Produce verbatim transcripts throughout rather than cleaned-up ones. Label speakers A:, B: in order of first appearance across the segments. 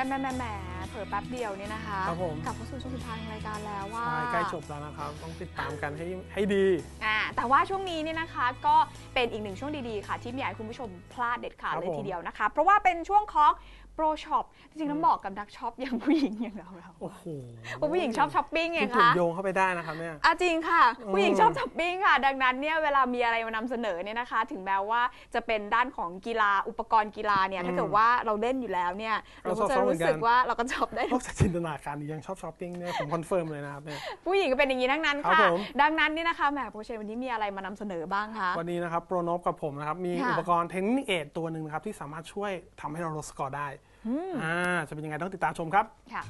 A: แม่แม่แม่เผลอแป๊บเดียวเนี่ยนะคะ
B: ครับผม
A: กลับเข้าสู่ช่วงสุดท้ายของรายการแล้วว่า
B: ใกล้จบแล้วนะครับต้องติดตามกันให้ให้ดี
A: อ่าแต่ว่าช่วงนี้เนี่ยนะคะก็เป็นอีกหนึ่งช่วงดีๆค่ะที่ไม่อยากให้คุณผู้ชมพลาดเด็ดขาดเลยทีเดียวนะคะเพราะว่าเป็นช่วงของโปรช็อปจริงๆต้องบอกกับนักช็อปอย่างผู้หญิงอย่างเราเราโอ้โหผู้หญิงชอบช้อปปิ้งไงคะ
B: ถูกโยงเข้าไปได้นะครับเนี่ย
A: อ่ะจริงค่ะผู้หญิงชอบช้อปปิ้งค่ะดังนั้นเนี่ยเวลามีอะไรมานำเสนอเนี่ยนะคะถึงแม้ว่าจะเป็นด้านของกีฬาอุปกรณ์กีฬาเนี่ยถ้าเกิดว่าเราเล่นอยู่แล้วเนี่ยเราก็จะรู้สึกว่าเราก็ช็อปได้
B: นอกจากจินตนาการยังชอบช้อปปิ้งเนี่ยผมคอนเฟิร์มเลยนะครับเนี่ย
A: ผู้หญิงก็เป็นอย่างนี้ทั้งนั้นค่ะดังนั้นนี่นะคะแหมโปรเชวันนี้มีอะไรมานำเสนอบ้างคะ
B: วันนี้นะครับโปรโนบกับผมนะครับมีอุปกรณ์เทคนิคเอทตัวหนึ่งนะครับที่สามารถช่วยทำให้เราลดสกอร์ได้อ่าจะเป็นยังไงต้องติดตามชมครับค่ะ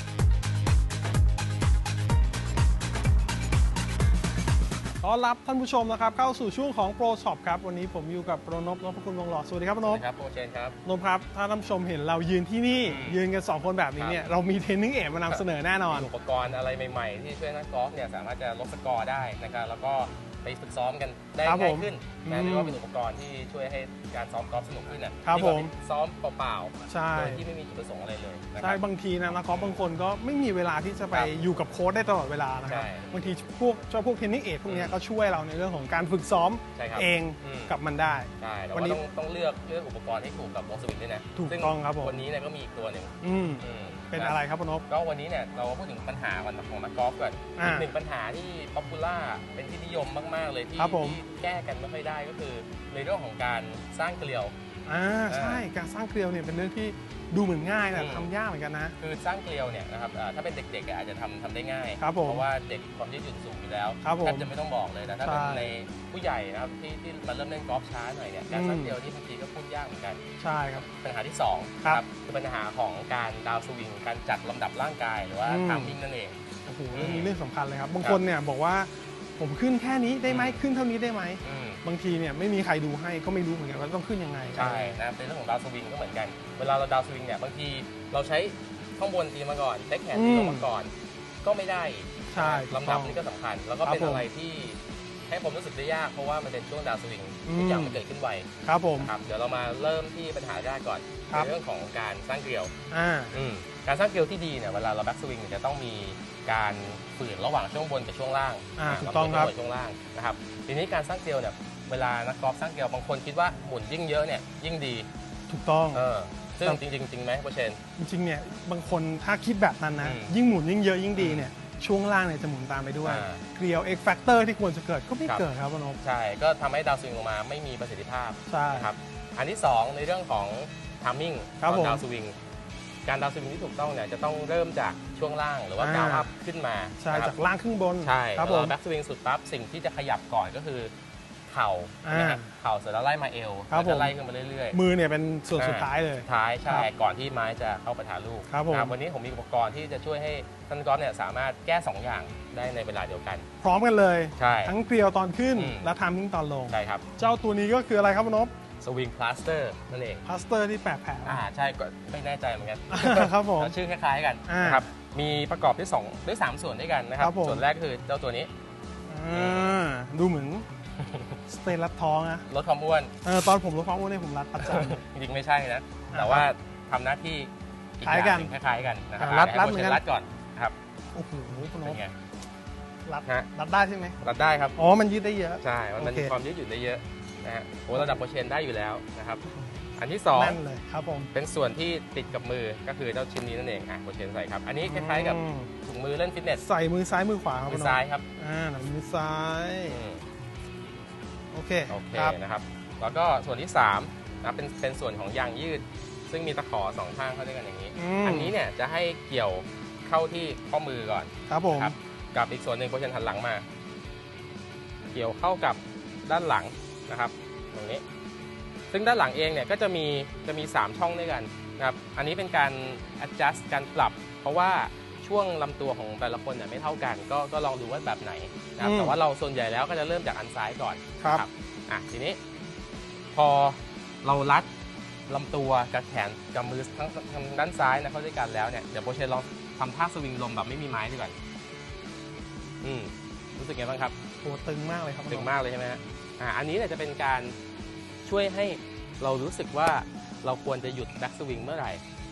B: ต้อนรับท่านผู้ชมนะครับเข้าสู่ช่วงของโปรช็อปครับวันนี้ผมอยู่กับโปรนพนพคุณวงหล่อสวัสดีครับโปรนพ
C: ครับโปรเชนครับ
B: นพครับถ้าท่านผู้ชมเห็นเรายืนที่นี่ยืนกันสองคนแบบนี้เนี่ยเรามีเทรนนิ่งเอทมานำเสนอแน่นอน
C: อุปกรณ์อะไรใหม่ๆที่ช่วยนักกอล์ฟเนี่ยสามารถจะลดสกอร์ได้นะครับแล้วก็ไปฝึกซ้อมกันได้ง่ายขึ้นนะเรียกว่าเป็นอุปกรณ์ที่ช่วยให้การซ้อมกอล์ฟสนุกขึ้นนะครับผมซ้อมเปล่าๆโดยที่ไม่มีจุดประสงค์อะไรเลย
B: ใช่บางทีนะนักกอล์ฟบางคนก็ไม่มีเวลาที่จะไปอยู่กับโค้ชได้ตลอดเวลานะครับบางทีพวกเจ้าพวกเทรนนิ่งเอทพวกนี้ก็ช่วยเราในเรื่องของการฝึกซ้อมเองกับมันได้
C: ใช่วันนี้ต้องเลือกเลือกอุปกรณ์ให้ถูกกับวงสวิงด้วยนะ
B: ถูกต้องครับผม
C: วันนี้เนี่ยก็มีอีกตัวหนึ่ง
B: เป็นอะไรครับพนพ
C: ก็วันนี้เนี่ยเราพูดถึงปัญหาของนักกอล์ฟก่อนอีกหนึ่งปัญหาที่ป๊อปปูล่าเป็นที่นิยมมากๆเลยที่แก้กันไม่ค่อยได้ก็คือในเรื่องของการสร้างเกลียว
B: อ่าใช่การสร้างเกลียวเนี่ยเป็นเรื่องที่ดูเหมือนง่ายแต่ทำยากเหมือนกันนะ
C: คือสร้างเกลียวเนี่ยนะครับถ้าเป็นเด็กๆอาจจะทำทำได้ง่ายเพราะว่าเด็กความยืดหยุ่นสูงอยู่แล้วแทบจะไม่ต้องบอกเลยนะถ้าเป็นในผู้ใหญ่นะครับที่ที่มาเริ่มเล่นกอล์ฟช้าหน่อยเนี่ยการสร้างเกลียวนี่บางทีก็พูดยากเหมือนกัน
B: ใช่ครับ
C: ปัญหาที่สองครับคือปัญหาของการดาวสวิงการจัดลำดับร่างกายหรือว่าทามมิ่งนั่นเอง
B: โอ้โหเรื่องนี้เรื่องสำคัญเลยครับบางคนเนี่ยบอกว่าผมขึ้นแค่นี้ได้ไหมขึ้นเท่านี้ได้ไหมบางทีเนี่ยไม่มีใครดูให้ก็ไม่รู้เหมือนกันว่าต้องขึ้นยังไง
C: ใช่นะเป็นเรื่องของดาวสวิงก็เหมือนกันเวลาเราดาวสวิงเนี่ยบางทีเราใช้ข้างบนตีมาก่อนเทคแขนตีลงมาก่อนก็ไม่ได้
B: ใช่
C: ลำดับนี้ก็สำคัญแล้วก็เป็นอะไรที่ให้ผมรู้สึกได้ยากเพราะว่ามันเป็นช่วงดาวสวิงทุกอย่างมันเกิดขึ้นไว
B: ครับผม
C: ครับเดี๋ยวเรามาเริ่มที่ปัญหาแรกก่อนในเรื่องของการสร้างเกลียวการสร้างเกลียวที่ดีเนี่ยเวลาเราแบ็กสวิงจะต้องมีการฝืนระหว่างช่วงบนกับช่วงล่าง
B: ถูกต้องครับ
C: ช่วงล่างนะครับทีนี้การสร้างเกลียวเนี่ยเวลานักกอล์ฟสร้างเกลียวบางคนคิดว่าหมุนยิ่งเยอะเนี่ยยิ่งดี
B: ถูกต้อง
C: เออซึ่งจริงๆจริงไหมโปรเชน
B: จริงๆเนี่ยบางคนถ้าคิดแบบนั้นนะยิ่งหมุนยิ่งเยอะยิ่งดีเนี่ยช่วงล่างเนี่ยจะหมุนตามไปด้วยเกลียว X factor ที่ควรจะเกิดก็ไม่เกิดครับพนพ
C: ใช่ก็ทำให้ดาวสวิงลงมาไม่มีประสิทธิภาพนะครับอันที่สองในเรื่องของทามมิ่งของดาวสวิงการดาวสวิงที่ถูกต้องเนี่ยจะต้องเริ่มจากช่วงล่างหรือว่ากาวอัพขึ้นมา
B: ใช่จากล่างขึ้นบน
C: ใช่ครับผมแบ็กสวิงสุดปั๊บสิ่งที่จะขยับก่อนก็คือเข่านะครับเข่าเสร็จแล้วไล่มาเอวแล้วจะไล่ขึ้นมาเรื่อย
B: ๆมือเนี่ยเป็นส่วนสุดท้ายเลย
C: สุดท้ายใช่ก่อนที่ไม้จะเข้าปะทะลูก
B: ครับ
C: วันนี้ผมมีอุปกรณ์ที่จะช่วยให้ท่านกอล์ฟเนี่ยสามารถแก้สองอย่างได้ในเวลาเดียวกัน
B: พร้อมกันเลย
C: ใช่
B: ทั้งเกลียวตอนขึ้นและทามมิ่งตอนลง
C: ใช่ครับ
B: เจ้าตัวนี้ก็คืออะไรครับพนพ
C: สวิงพลาสเตอร์นั่นเอง
B: พลาสเตอร์ที่แปะแผล
C: อ่าใช่ก็ไม่แน่ใจเหมือนกัน
B: ครับผม
C: ชื่อคล้ายๆกันนะครับมีประกอบด้วยสองด้วยสามส่วนด้วยกันนะครับส่วนแรกคือเจ้าตัวนี้
B: ดูเหมือนสเตนรัดท้องนะ
C: ลดความอ้วน
B: เออตอนผมลดความอ้วนเนี่ยผมรัดประจำ
C: จริงๆไม่ใช่นะแต่ว่าทำหน้าที่
B: คล้ายกัน
C: คล้ายๆกันนะครับ
B: รัดรัดเหมือนกัน
C: รัดก่อนครับ
B: โอ้โหคุณน้องรัด
C: ฮะ
B: รัดได้ใช่ไหม
C: รัดได้ครับ
B: อ๋อมันยืดได้เยอะ
C: ใช่มันมีความยืดหยุ่นได้เยอะนะฮะโอ้ระดับโปรเชนได้อยู่แล้วนะครับอันที่สอง
B: นั่นเลยครับผม
C: เป็นส่วนที่ติดกับมือก็คือเจ้าชิ้นนี้นั่นเองอ่ะโปรเชนใส่ครับอันนี้คล้ายๆกับถุงมือเล่นฟิตเนส
B: ใส่มือซ้ายมือขวาครับ
C: มือซ้ายครับ
B: อ่ามือซ้ายโอเค
C: โอเคนะครับแล้วก็ส่วนที่สามนะเป็นเป็นส่วนของยางยืดซึ่งมีตะขอสองข้างเข้าด้วยกันอย่างนี้อันนี้เนี่ยจะให้เกี่ยวเข้าที่ข้อมือก่อน
B: ครับผม
C: กับอีกส่วนหนึ่งโปรเชนหันหลังมาเกี่ยวเข้ากับด้านหลังนะครับตรงนี้ซึ่งด้านหลังเองเนี่ยก็จะมีจะมีสามช่องด้วยกันนะครับอันนี้เป็นการ adjust การปรับเพราะว่าช่วงลำตัวของแต่ละคนเนี่ยไม่เท่ากันก็ก็ลองดูว่าแบบไหนนะครับแต่ว่าเราส่วนใหญ่แล้วก็จะเริ่มจากอันซ้ายก่อน
B: ครับ
C: อ่ะทีนี้พอเรารัดลำตัวกับแขนกับมือทั้งทางด้านซ้ายนะเข้าด้วยกันแล้วเนี่ยเดี๋ยวโปรเชนลองทำท่าสวิงลมแบบไม่มีไม้ดีกว่าอืมรู้สึกไงบ้างครับ
B: โอ้ตึงมากเลยครับ
C: ตึงมากเลยใช่ไหมฮะอ่าอันนี้เนี่ยจะเป็นการช่วยให้เรารู้สึกว่าเราควรจะหยุดแบ็กสวิงเมื่อไหร่น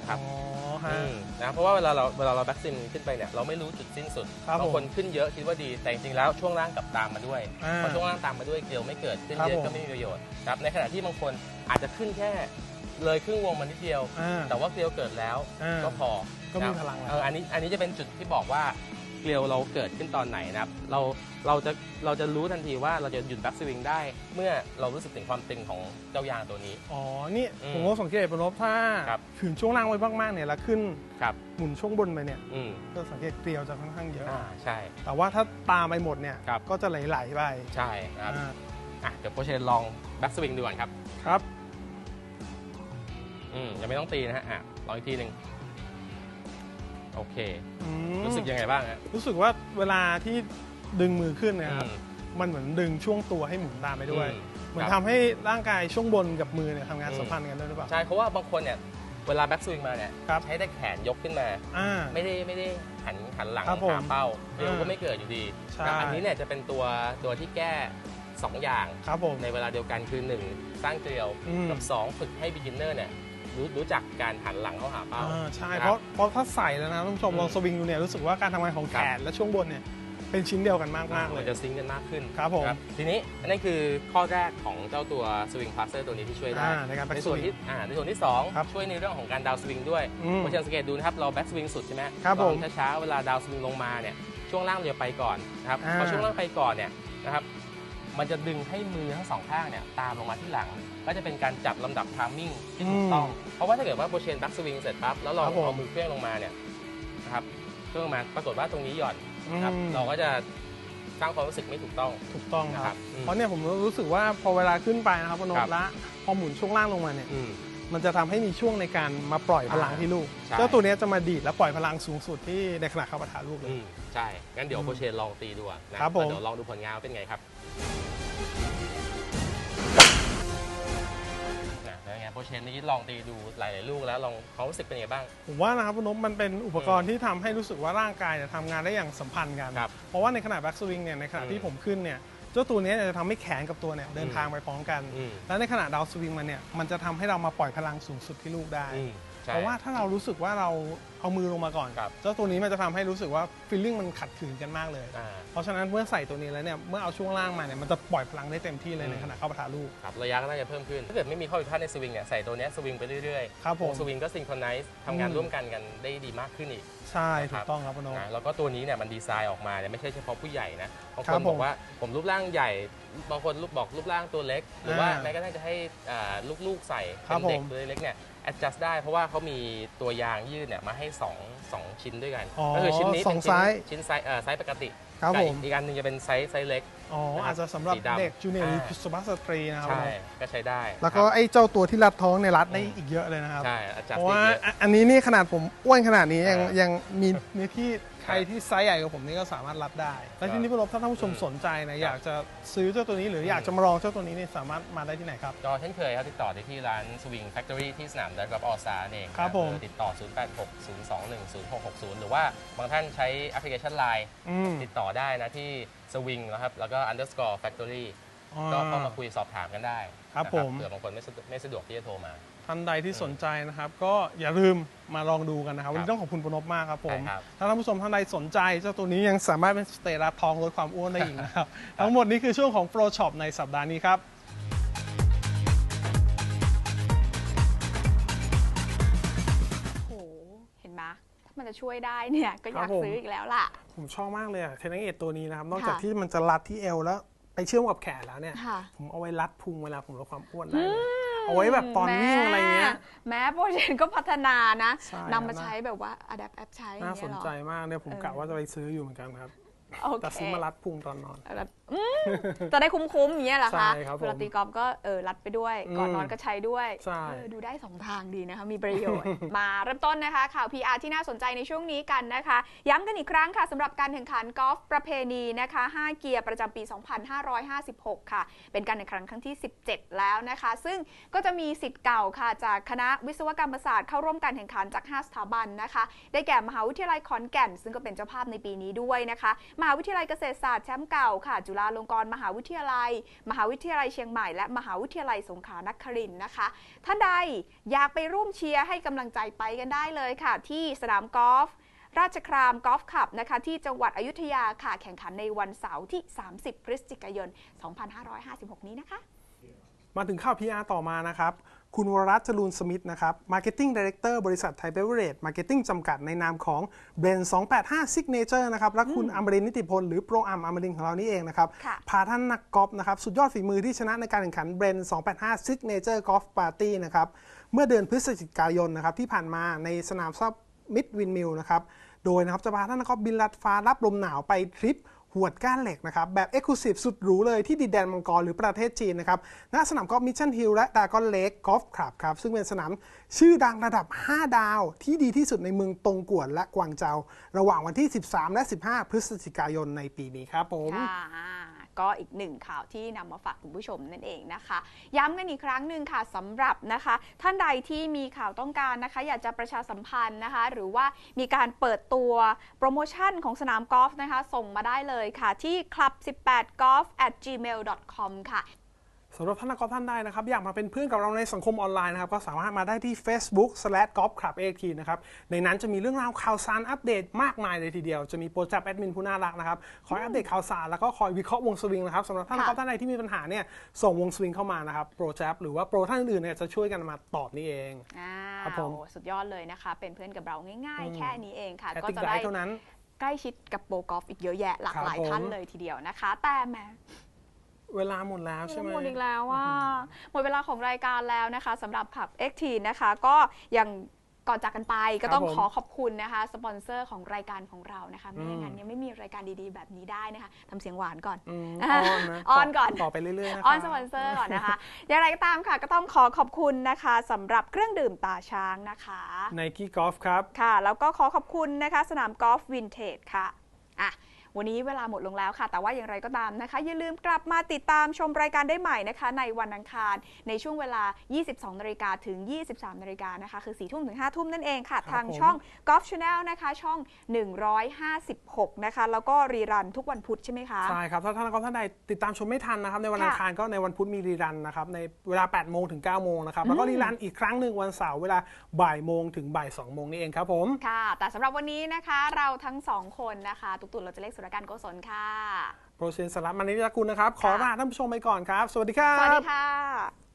C: ครับ
B: อ๋อฮะ
C: อืมนะเพราะว่าเวลาเราเวลาเราแบ็กซินขึ้นไปเนี่ยเราไม่รู้จุดสิ้นสุด
B: ครับ
C: บางคนขึ้นเยอะคิดว่าดีแต่จริงๆแล้วช่วงล่างกลับตามมาด้วย
B: อ่า
C: พอช่วงล่างตามมาด้วยเกลียวไม่เกิดขึ้น
B: ครับ
C: เยอะ
B: ผม
C: ก็ไม่มีประโยชน์ครับในขณะที่บางคนอาจจะขึ้นแค่เลยครึ่งวงมานิดเดียว
B: อ่า
C: แต่ว่าเกลียวเกิดแล้ว
B: อ่า
C: ก็พอ
B: ก็มี
C: นะ
B: พลังแล้ว
C: เอออันนี้อันนี้จะเป็นจุดที่บอกว่าเกลียวเราเกิดขึ้นตอนไหนนะครับเราเราจะเราจะรู้ทันทีว่าเราจะหยุดแบ็กสวิงได้เมื่อเรารู้สึกถึงความตึงของเจ้ายางตัวนี้
B: อ๋อ นี่
C: อืม
B: ผมก็สังเกตปนพถ้า
C: ครับ
B: ขืนช่วงล่างไว้มากๆเนี่ยแล้วขึ้น
C: ครับ
B: หมุนช่วงบนไปเนี่ย
C: อืม
B: ก็สังเกตเกลียวจะค่อนข้างเยอะ
C: อ่าใช่
B: แต่ว่าถ้าตามไปหมดเนี่ย
C: ครับ
B: ก็จะไหลๆไป
C: ใช่นะครับ
B: อ่า
C: อ่ะเดี๋ยวโปรเชนลองแบ็กสวิงดูก่อนครับ
B: ครับ
C: อืมยังไม่ต้องตีนะฮะอ่ะลองอีกทีหนึ่งโอเค
B: อืม
C: รู้สึกยังไงบ้างฮะ
B: รู้สึกว่าเวลาที่ดึงมือขึ้นเนยครับ
C: อืม
B: มันเหมือนดึงช่วงตัวให้หมุนตามไปด้วย
C: อืม
B: เหมือน
C: ครับ
B: ทำให้ร่างกายช่วงบนกับมือเนี่ยทำงาน
C: อืม
B: สัมพันธ์กันด้วยหรือเปล่า
C: ใช่เพราะว่าบางคนเนี่ยเวลาแบ็กสวิงมาเนี่ย
B: ครับ
C: ใช้แต่แขนยกขึ้นมา
B: อ่า
C: ไม่ได้ไม่ได้หันหันหลัง
B: ครับผม
C: หาเป้าเดี๋ยว
B: อ่า
C: ก็ไม่เกิดอยู่ดี
B: ใช่
C: นะอันนี้เนี่ยจะเป็นตัวตัวที่แก้สองอย่าง
B: ครับผม
C: ในเวลาเดียวกันคือหนึ่งสร้างเกลียว
B: อืม
C: กับสองฝึกให้ beginner เนี่ยรู้รู้จักการหันหลังเข้าหาเป้า
B: อ่าใช่
C: ครับ
B: เพราะเพราะถ้าใส่แล้วนะท่านผู้ชม
C: อืม
B: ลองสวิงดูเนี่ยรู้สึกว่าการทำงานของแขนและช่วงบนเนี่ยเป็นชิ้นเดียวกันมากมากๆเล
C: มั
B: ย
C: นจะซิงค์กันมากขึ้น
B: ครับผม
C: ทีนี้อันนี้คือข้อแรกของเจ้าตัว Swing Passer ตัวนี้ที่ช่วยได้
B: อ่าในการแบ็
C: ใน
B: กส
C: ส่วน
B: วิง
C: ที่อ่าในส่วนที่สอง
B: ครับ
C: ช่วยในเรื่องของการดาวสวิงด้วย
B: อืม
C: เพราะฉะนั้นสังเกตดูนะครับเราแบ็กสวิงสุดใช่ไหม
B: ครับผม
C: ลองช้าๆเวลาดาวสวิงลงมาเนี่ยช่วงล่างเราจะไปก่อนนะครับ
B: อ่า
C: พอช่วงล่างไปก่อนเนี่ยนะครับมันจะดึงให้มือทั้งสองข้างเนี่ยตามลงมาที่หลัง ก็จะเป็นการจับลำดับทามมิ่งที่ถูกต้อง เพราะว่าถ้าเกิดว่าโปรเชนแบ็กสวิงเสร็จปั๊บแล้วเรา
B: ครับผม
C: เอามือเคลื่อนลงมาเนี่ยนะครับเคลื่อนลงมาปรากฏว่าตรงนี้หย่อนนะครับ
B: อืม
C: เราก็จะสร้างความรู้สึกไม่ถูกต้อง
B: ถูกต้องค
C: นะครั
B: รั
C: บบ อืม
B: เพราะเนี่ยผมรู้สึกว่าพอเวลาขึ้นไปนะครับพน
C: ครั
B: พ
C: บ
B: ละพอหมุนช่วงล่างลงมาเนี่ย
C: อืม
B: มันจะทำให้มีช่วงในการมาปล่อยพลัง
C: อ่า
B: ที่ลูก
C: ใช่
B: เจ้าตัวเนี้ยจะมาดีดและปล่อยพลังสูงสุดที่ในขณะเข้าปะทะลูกเลย
C: อืมใช่ งั้นเดี๋ยว
B: อืม
C: โปรเชนลองตีดูอะนะครับ
B: ผม
C: แล้วเดี๋ยวลองดูผลงานว่าเป็นไงครับนะแล้วไงโปรเชนนี้ลองตีดูหลายๆลูกแล้วลองความรู้สึกเป็นไงบ้าง
B: ผมว่านะครับพนพมันเป็นอุปกรณ์ที่ทำให้รู้สึกว่าร่างกายเนี่ยทำงานได้อย่างสัมพันธ์กัน
C: ครับ
B: เพราะว่าในขณะแบ็กสวิงเนี่ยในขณะที่
C: อืม
B: ผมขึ้นเนี่ยเจ้าตัวเนี้ยจะทำให้แขนกับตัวเนี่ยเดิน
C: อืม
B: ทางไปพร้อมกัน
C: อืม
B: แล้วในขณะดาวสวิงมันเนี่ยมันจะทำให้เรามาปล่อยพลังสูงสุดที่ลูกได้
C: อืมใช่
B: เพราะว่าถ้าเรารู้สึกว่าเราเอามือลงมาก่อน
C: ครับ
B: เจ้าตัวนี้มันจะทำให้รู้สึกว่าฟีลลิ่งมันขัดขืนกันมากเลย
C: อ่า
B: เพราะฉะนั้นเมื่อใส่ตัวนี้แล้วเนี่ยเมื่อเอาช่วงล่างมาเนี่ยมันจะปล่อยพลังได้เต็มที่เลย
C: อืม
B: ในขณะเข้าปะทะลูก
C: ครับระยะก็น่าจะเพิ่มขึ้น ถ้าเกิดไม่มีข้อผิดพลาดในสวิงเนี่ยใส่ตัวเนี้ยสวิงไปเรื่อยๆ
B: ครับผม
C: วงสวิงก็ซิงโครไนซ์ทำงาน
B: อืม
C: ร่วมกันกันได้ดีมากขึ้นอีก
B: ใช่
C: ค
B: ถู
C: รับ
B: กต้องครับพนพ
C: นะแล้วก็ตัวนี้เนี่ยมันดีไซน์ออกมาเนี่ยไม่ใช่เฉพาะผู้ใหญ่นะบาง
B: ค
C: ค
B: รั
C: น
B: บผม
C: บอกว่าผมรูปร่างใหญ่บางคนรูปบอกรูปร่างตัวเล็ก หรือว่า
B: อ่า
C: แม้กระทั่งจะให้อ่าลูกๆใส่
B: ครั
C: เป็
B: บ
C: นเด็ก
B: ผม
C: ตัวเล็กเนี่ย adjust ได้เพราะว่าเขามีตัวยางยืดเนี่ยมาให้สองสองชิ้นด้วยกัน
B: อ๋อ
C: ก็คือชิ้นนี้
B: ส
C: เป็
B: อง
C: นชิ้น
B: ไซส์
C: ชิ้นไซส์เอ่อไซส์ปกติ
B: ครับ
C: กับ
B: ผม
C: อีกอันหนึงจะเป็นไซส์ไซส์เล็ก
B: อ๋อ
C: นะครับ
B: อาจจะสำหรับ
C: สีดำ
B: เด็กจูเนียร์หรือ
C: อ่า
B: สุภาพสตรีนะครับ
C: ใช่ก็ใช้ได้
B: แล้วก็
C: ครับ
B: ไอ้เจ้าตัวที่รัดท้องเนี่ยรัดได้
C: อืม
B: อีกเยอะเลยนะครับ
C: ใช่ adjust
B: เพราะว่า
C: ได้เยอะ
B: อ่ะอันนี้นี่ขนาดผมอ้วนขนาดนี้ยัง
C: อ่ายั
B: ยังมีเนื้อที่ใครที่ไซส์ใหญ่กว่าผมนี่ก็สามารถรัดได้ และที่นี้พี่ลบถ้าท่านผู้ชม
C: อืม
B: สนใจนะ
C: ครับ
B: อยากจะซื้อเจ้าตัวนี้หรืออยากจะมาลองเจ้าตัวนี้เนี่ยสามารถมาได้ที่ไหนครับ
C: ก็เช่นเคยครับติดต่อได้ที่ร้าน Swing Factory ที่สนามดักกับออสตาเอง
B: ครับผม
C: เออติดต่อ ศูนย์ แปด หก ศูนย์ สอง หนึ่ง ศูนย์ หก หก ศูนย์ หรือว่าบางท่านใช้แอปพลิเคชัน ไลน์
B: อืม
C: ติดต่อได้นะที่ Swing นะครับแล้วก็ underscore factory
B: อ่า
C: ก็เข้ามาคุยสอบถามกันได้
B: ครับ
C: นะ
B: ผม
C: เผื่อบางคนไม่สะดวกไม่สะดวกที่จะโทรมา
B: ท่านใดที่สนใจนะครับ ก็อย่าลืมมาลองดูกันนะครับ
C: ครับ
B: วันนี้ต้องขอบคุณปนพมากครับผม
C: ใช่ครับ
B: ถ้าท่านผู้ชมท่านใดสนใจเจ้าตัวนี้ยังสามารถเป็นสเตรัสทองลดความอ้วนได้อีกนะครับ ทั้งหมดนี้คือช่วงของ Pro Shop ในสัปดาห์นี้ครับ
A: โหเห็นไหมถ้ามันจะช่วยได้เนี่ยก็อยาก
B: ครับผม
A: ซื้ออีกแล้วล่ะ
B: ผมชอบมากเลยอะเทนนิสเอทตัวนี้นะครับ นอกจาก
A: ค่ะ
B: ที่มันจะรัดที่เอวแล้วไปเชื่อมกับแขนแล้วเนี่ย
A: ค่ะ
B: ผมเอาไว้รัดพุงเวลาผมลดความอ้วนได้เลยเอาไว้แบบตอนวิ่งอะไรเงี้ย
A: แม้โปรเจกต์ก็พัฒนานะ
B: ใช่
A: นำมาใช้แบบว่า adapt แอปใช้อย่า
B: น่าง
A: เงี้
B: ส
A: ย
B: น
A: เหรอ
B: ใจมากเนี่ยผม
A: เออ
B: กะว่าจะไปซื้ออยู่เหมือนกันครับ
A: โอเค
B: แต่ซื้อมารัดพุงตอนนอน
A: แบบอืมจะได้คุ้มๆอย่างเงี้ยเหรอคะ
B: ใช่ครับผม
A: เวลาตีกอล์ฟก็เออรัดไปด้วย ก่อน
B: อืม
A: นอนก็ใช้ด้วย
B: ใช่
A: เออดูได้สองทางดีนะคะ มีประโยชน์ มาเริ่มต้นนะคะ ข่าว พี อาร์ ที่น่าสนใจในช่วงนี้กันนะคะ ย้ำกันอีกครั้งค่ะสำหรับการแข่งขันกอล์ฟประเพณีนะคะห้าเกียร์ประจำปี สองพันห้าร้อยห้าสิบหก ค่ะ เป็นการแข่งขันครั้งที่ สิบเจ็ด แล้วนะคะ ซึ่งก็จะมีศิษย์เก่าค่ะ จากคณะวิศวกรรมศาสตร์เข้าร่วมการแข่งขันจาก ห้า สถาบันนะคะ ได้แก่มหาวิทยาลัยขอนแก่น ซึ่งก็เป็นเจ้าภาพในปีนี้ด้วยนะคะมหาวิทยาลัยเกษตรศาสตร์แชมป์เก่าค่ะจุฬาลงกรณ์มหาวิทยาลัยมหาวิทยาลัยเชียงใหม่และมหาวิทยาลัยสงขลานครินทร์นะคะท่านใดอยากไปร่วมเชียร์ให้กำลังใจไปกันได้เลยค่ะที่สนามกอล์ฟราชครามกอล์ฟคลับนะคะที่จังหวัดอยุธยาค่ะแข่งขันในวันเสาร์ที่สามสิบพฤศจิกายนสองพันห้าร้อยห้าสิบหกนี้นะคะ
B: มาถึงข่าว พี อาร์ ต่อมานะครับคุณวรรัตน์ จรูนสมิทธ์นะครับ Marketing Director บริษัทไทยเบเวอเรจ Marketing จำกัดในนามของ Blend สองแปดห้า Signature นะครับและคุณอมรินทร์นิติพลหรือโปรอัมอมรินทร์ของเรานี่เองนะครับพาท่านนักกอล์ฟนะครับสุดยอดฝีมือที่ชนะในการแข่งขัน Blend สองแปดห้า Signature Golf Party นะครับเมื่อเดือนพฤศจิกายนนะครับที่ผ่านมาในสนามซับมิดวินมิลนะครับโดยนะครับจะพาท่านนักกอล์ฟบินลัดฟ้ารับลมหนาวไปทริปหวดก้านเหล็กนะครับแบบ Exclusive สุดหรูเลยที่ดินแดนมังกรหรือประเทศจีนนะครับณสนามกอล์ฟมิชชั่นฮิลและดากอนเลคกอล์ฟคลับครับซึ่งเป็นสนามชื่อดังระดับห้าดาวที่ดีที่สุดในเมืองตงกวนและกวางเจากระหว่างวันที่สิบสามและสิบห้าพฤศจิกายนในปีนี้ครับผม
A: ก็อีกหนึ่งข่าวที่นำมาฝากคุณผู้ชมนั่นเองนะคะย้ำกันอีกครั้งหนึ่งค่ะสำหรับนะคะท่านใดที่มีข่าวต้องการนะคะอยากจะประชาสัมพันธ์นะคะหรือว่ามีการเปิดตัวโปรโมชั่นของสนามกอล์ฟนะคะส่งมาได้เลยค่ะที่ คลับสิบแปดกอล์ฟ แอท จีเมล ดอท คอม ค่ะ
B: สำหรับท่านนักกอล์ฟท่านใดนะครับอยากมาเป็นเพื่อนกับเราในสังคมออนไลน์นะครับก็สามารถมาได้ที่ Facebook สแลช กอล์ฟคลับ เอ ที นะครับในนั้นจะมีเรื่องราวข่าวสารอัปเดตมากมายเลยทีเดียวจะมีโปรจับแอดมินผู้น่ารักนะครับคอยอัปเดตข่าวสารแล้วก็คอยวิเคราะห์วงสวิงนะครับสำหรับท่านนักกอล์ฟท่านใดที่มีปัญหาเนี่ยส่งวงสวิงเข้ามานะครับโปรจับหรือว่าโปรท่านอื่นๆเนี่ยจะช่วยกันมาตอบนี่เอง
A: ครับผมสุดยอดเลยนะคะเป็นเพื่อนกับเราง่ายๆแค่นี้เองค่ะก็จะได้ใกล้ชิดกับโปรกอล์ฟอีกเยอะแยะหลากหลายท่านเลยทีเดียวนะคะแต่แหม
B: เวลาหมดแล้วใช่ไหม
A: หมดอีกแล้วว่าหมดเวลาของรายการแล้วนะคะสำหรับผับ เอ็กซ์ ที นะคะก็ยังก่อนจากกันไปก็ต้องขอขอบคุณนะคะสปอนเซอร์ของรายการของเรานะคะไม่อย่างนั้นยังไม่มีรายการดีๆแบบนี้ได้นะคะทำเสียงหวานก่อนออนก่อน
B: ต่อไปเรื่อยๆนะคะ
A: ออนสปอนเซอร์ก่อนนะคะอย่างไรก็ตามค่ะก็ต้องขอขอบคุณนะคะสำหรับเครื่องดื่มตาช้างนะคะ
B: Nike Golf ครับ
A: ค่ะแล้วก็ขอขอบคุณนะคะสนามกอล์ฟวินเทจค่ะอ่ะวันนี้เวลาหมดลงแล้วค่ะแต่ว่าอย่างไรก็ตามนะคะอย่าลืมกลับมาติดตามชมรายการได้ใหม่นะคะในวันอังคารในช่วงเวลา ยี่สิบสองนาฬิกา ถึง ยี่สิบสามนาฬิกานะคะคือ สี่ทุ่มถึง ห้าทุ่มนั่นเองค่ะทางช่อง Golf Channel นะคะช่องหนึ่งร้อยห้าสิบหกนะคะแล้วก็รีรันทุกวันพุธใช่ไหมคะ
B: ใช่ครับถ้าท่านท่านใดติดตามชมไม่ทันนะครับในวันอังคารก็ในวันพุธมีรีรันนะครับในเวลา แปดโมง ถึง เก้าโมงนะครับแล้วก็รีรันอีกครั้งหนึ่งวันเสาร์เวลาบ่ายโมงถึงบ่ายสองโมงนี่เองครับผม
A: ค่ะแต่สำหรับวันนี้นะคะเราทั้งสองคนนะคะตุกตุ่นเราจะเล็กสุรการโกศลค่ะ
B: โปรเชนสลับมานิยากุลนะครับขอลาท่านผู้ชมไปก่อนครับสวัสดีครับ
A: สวัสดีค่ะ